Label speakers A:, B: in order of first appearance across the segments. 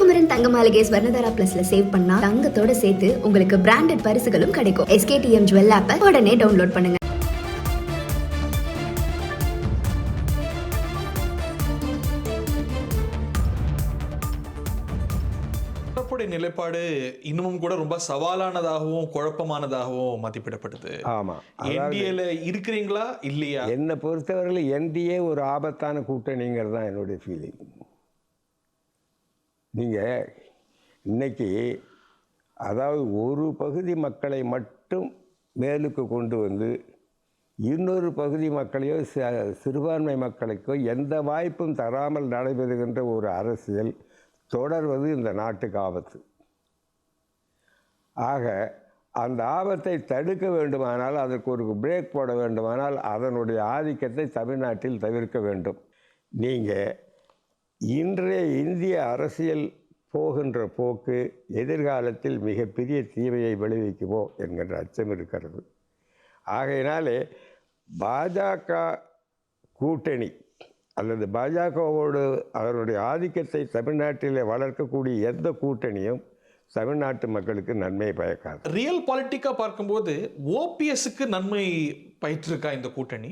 A: ஸ்ரீகுமரன் தங்க மாளிகை ஸ்வர்ணதாரா பிளஸ்ல சேவ் பண்ணா தங்கத்தோட சேர்த்து உங்களுக்கு பிராண்டட் பரிசுகளும் கிடைக்கும். SKTM ஜுவல் ஆப்பை உடனே டவுன்லோட் பண்ணுங்க.
B: நிலைப்பாடு இன்னமும் கூட ரொம்ப சவாலானதாகவும் குழப்பமானதாகவும் மதிப்பிடப்படுது.
C: ஆமா,
B: என்டிஏல இருக்கிறீங்களா இல்லையா?
C: என்னை பொறுத்தவரையில் என்டிஏ ஒரு ஆபத்தான கூட்டணிங்கிறது தான் என்னுடைய ஃபீலிங். நீங்கள் இன்னைக்கு அதாவது ஒரு பகுதி மக்களை மட்டும் மேலுக்கு கொண்டு வந்து இன்னொரு பகுதி மக்களையோ சிறுபான்மை மக்களுக்கோ எந்த வாய்ப்பும் தராமல் நடைபெறுகின்ற ஒரு அரசியல் தொடர்வது இந்த நாட்டுக்கு ஆபத்து. ஆக அந்த ஆபத்தை தடுக்க வேண்டுமானால், அதற்கு ஒரு பிரேக் போட வேண்டுமானால் அதனுடைய ஆதிக்கத்தை தமிழ்நாட்டில் தவிர்க்க வேண்டும். நீங்கள் இன்றைய இந்திய அரசியல் போகின்ற போக்கு எதிர்காலத்தில் மிகப்பெரிய தீமையை விளைவிக்குமோ என்கின்ற அச்சம் இருக்கிறது. ஆகையினாலே பாஜக கூட்டணி அல்லது பாஜகவோடு அதனுடைய ஆதிக்கத்தை தமிழ்நாட்டில் வளர்க்கக்கூடிய எந்த கூட்டணியும் தமிழ்நாட்டு மக்களுக்கு நன்மை பயக்காது.
B: ரியல் பாலிட்டிக்காக பார்க்கும்போது ஓபிஎஸ்க்கு நன்மை பயிற்றிருக்கா இந்த கூட்டணி?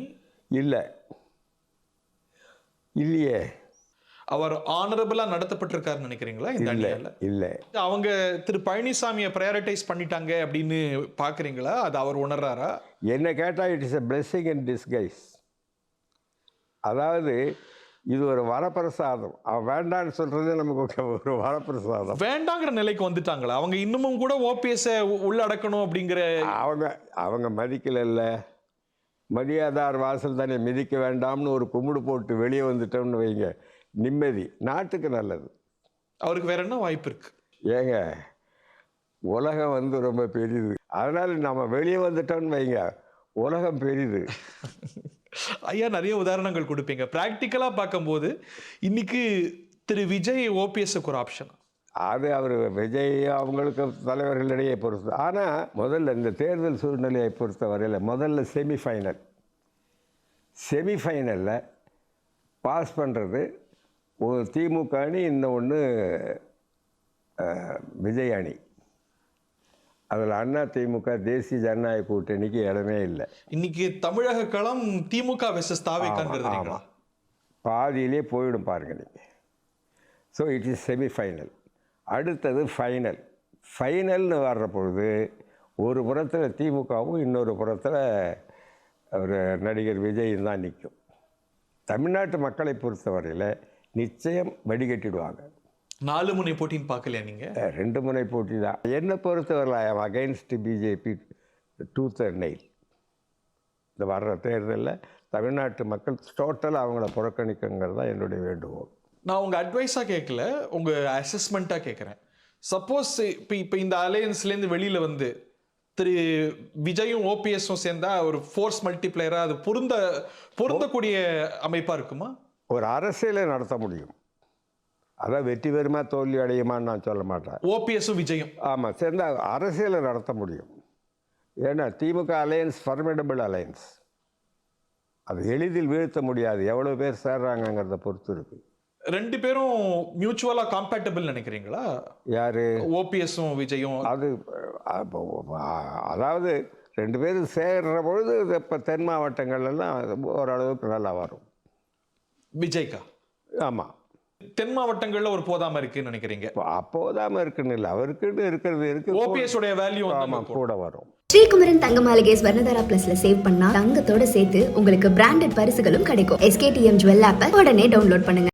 B: இல்லையே. அவர் ஆனரபிளா நடத்தப்பட்டிருக்காருன்னு நினைக்கிறீங்களா இந்த அணியால?
C: இல்லை.
B: அவங்க திரு பழனிசாமியை ப்ரையாரிட்டைஸ் பண்ணிட்டாங்க அப்படின்னு பார்க்குறீங்களா? அது அவர் உணர்றாரா?
C: என்ன கேட்டால் it is a blessing in disguise. அதாவது இது ஒரு வரப்பிரசாதம். வேண்டான்னு சொல்றது நமக்கு ஒரு வரப்பிரசாதம்.
B: வேண்டாங்கிற நிலைக்கு வந்துட்டாங்களா அவங்க? இன்னமும் கூட ஓபிஎஸ் உள்ளடக்கணும் அப்படிங்கிற
C: அவங்க மதிக்கல. மதியாதார் வாசல் தானே மிதிக்க வேண்டாம்னு ஒரு கும்பிடு போட்டு வெளியே வந்துட்டோம்னு வைங்க, நிம்மதி, நாட்டுக்கு நல்லது.
B: அவருக்கு வேற என்ன வாய்ப்பு இருக்கு?
C: ஏங்க, உலகம் ரொம்ப பெரிது. அதனால நம்ம வெளியே வந்துட்டோம்னு வைங்க, உலகம் பெரிது.
B: ஐயா நிறைய உதாரணங்கள் கொடுப்பீங்க. பிராக்டிக்கலா பார்க்கும்போது இன்னைக்கு திரு விஜய் ஓபிஎஸ்க்கு ஒரு ஆப்ஷன்.
C: அது அவர் விஜய் அவங்களுக்கு தலைவர்களிடையே பொறுத்து. ஆனால் முதல்ல இந்த தேர்தல் சூழ்நிலையை பொறுத்த வரையில் முதல்ல செமிஃபைனலில் பாஸ் பண்ணுறது ஒரு திமுக அணி, இன்னொன்று விஜய் அணி. அதில் அண்ணா திமுக தேசிய ஜனநாயக கூட்டணிக்கு இடமே இல்லை.
B: இன்னைக்கு தமிழக களம் திமுக வெர்சஸ் தாவேக்காங்கிறது.
C: ஆமாம், பாதியிலே போயிடும் பாருங்க நீங்கள். So it is semifinal. அடுத்தது ஃபைனல்னு வர்ற பொழுது ஒரு புறத்தில் திமுகவும் இன்னொரு புறத்தில் ஒரு நடிகர் விஜயும் தான் நிற்கும். தமிழ்நாட்டு மக்களை பொறுத்தவரையில் நிச்சயம் வடிகட்டிடுவாங்க.
B: 4 முனை போட்டின்னு பார்க்கலையா நீங்கள்?
C: 2 முனை போட்டி தான். என்னை பொறுத்தவரை I am against BJP tooth and nail. இந்த வர்ற தேர்தலில் தமிழ்நாட்டு மக்கள் டோட்டலாக அவங்கள புறக்கணிக்குங்கிறது தான் என்னுடைய வேண்டுகோள்.
B: நான் உங்கள் அட்வைஸாக கேட்கல, உங்கள் அசஸ்மெண்ட்டாக கேட்குறேன். சப்போஸ் இப்போ இந்த அலையன்ஸ்லேருந்து வெளியில் வந்து திரு விஜயும் ஓபிஎஸும் சேர்ந்தா ஒரு ஃபோர்ஸ் மல்டிப்ளையராக அது பொருந்தக்கூடிய அமைப்பாக இருக்குமா? ஒரு
C: அரசியலை நடத்த முடியும். அதான் வெற்றி பெறுமா தோல்வி அடையுமான்னு நான் சொல்ல மாட்டேன்.
B: ஓபிஎஸும் விஜயும்
C: ஆமாம் சேர்ந்து அரசியலை நடத்த முடியும். ஏன்னா திமுக அலையன்ஸ் ஃபர்மிடபிள் அலையன்ஸ். அது எளிதில் வீழ்த்த முடியாது. எவ்வளோ பேர் சேர்றாங்கிறத பொறுத்து இருக்குது.
B: 2 பேரும் மியூச்சுவலாக காம்பேட்டபிள் நினைக்கிறீங்களா?
C: யார்?
B: ஓபிஎஸும் விஜயும்.
C: அது அதாவது 2 பேரும் சேர்ற பொழுது இப்போ தென் மாவட்டங்கள்லாம் ஓரளவுக்கு நல்லா வரும்.
B: விஜய்க்கா?
C: ஆமாம்.
B: தென் மாவட்டங்கள்ல ஒரு போதாம இருக்குன்னு நினைக்கிறீங்க?
C: அப்போதாம இருக்குன்னு இல்லை, அவருக்குன்னு இருக்கிறது இருக்கு.
B: ஓபிஎஸ் உடைய வேல்யூ
C: கூட வரும்.
A: ஸ்ரீகுமரன் தங்க மாளிகை ஸ்வர்ணதாரா பிளஸ்ல சேவ் பண்ணா தங்கத்தோட சேர்த்து உங்களுக்கு பிராண்டட் பரிசுகளும் கிடைக்கும். SKTM ஜுவல் ஆப்பை உடனே டவுன்லோட் பண்ணுங்க.